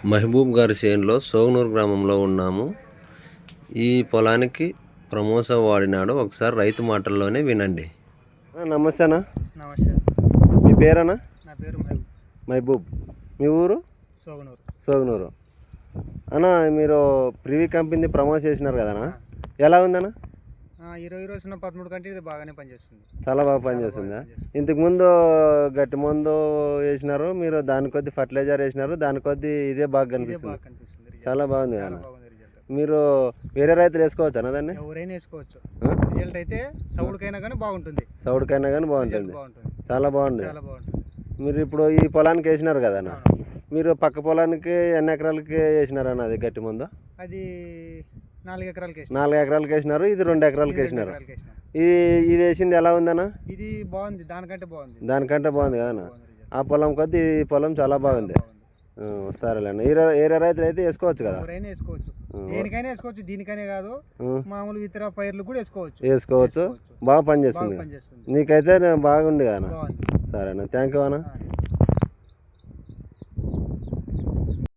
మహబూబ్ గారి చేనులో సోగనూరు గ్రామంలో ఉన్నాము. ఈ పొలానికి ప్రమోస వాడినాడు. ఒకసారి రైతు మాటల్లోనే వినండి. నమస్తే అన్న. నమస్తే. మీ పేరన్నా? నా పేరు మహబూబ్. మహబూబ్. మీ ఊరు? సోగనూరు. సోగనూరు. అన్న, మీరు ప్రివీ కంపెనీ ప్రమోట్ చేసినారు కదన్నా, ఎలా ఉందన్న? 20 రోజున 13 కంటే ఇది బాగానే పనిచేస్తుంది. చాలా బాగా పనిచేస్తుందా? ఇంతకుముందు గట్టి మందు వేసినారు మీరు, దాని కొద్ది ఫర్టిలైజర్ వేసినారు, దాని కొద్ది ఇదే బాగా కనిపిస్తుంది. చాలా బాగుంది అన్న. మీరు వేరే రైతులు వేసుకోవచ్చు అన్న దాన్ని? ఎవరైనా వేసుకోవచ్చు. రిజల్ట్ అయితే సౌడుకైనా కానీ బాగుంటుంది. సౌడుకైనా కానీ బాగుంటుంది. చాలా బాగుంది. చాలా బాగుంటుంది. మీరు ఇప్పుడు ఈ పొలానికి వేసినారు కదా అన్న, మీరు పక్క పొలానికి ఎన్ని ఎకరాలకి వేసినారు అన్న? అది గట్టి మందు అది 4 ఎకరాలకి 4 ఎకరాలకి వేసినారు, ఇది 2 ఎకరాలకి వేసినారు. ఇది వేసింది ఎలా ఉందన్న? ఇది బాగుంది, దానికంటే బాగుంది. దానికంటే బాగుంది కదన్న. ఆ పొలం కొద్ది ఈ పొలం చాలా బాగుంది. సరేలేండి. ఏరే రైతులు అయితే వేసుకోవచ్చు కదా? ఎవరైనా వేసుకోవచ్చు, దేనికైనా వేసుకోవచ్చు. దీనికనే కాదు, మామూలు ఇతర పైర్లు కూడా వేసుకోవచ్చు. బాగా పనిచేస్తుంది. నీకైతే బాగుంది కదా? సరేనా, థ్యాంక్ యూ అన్న.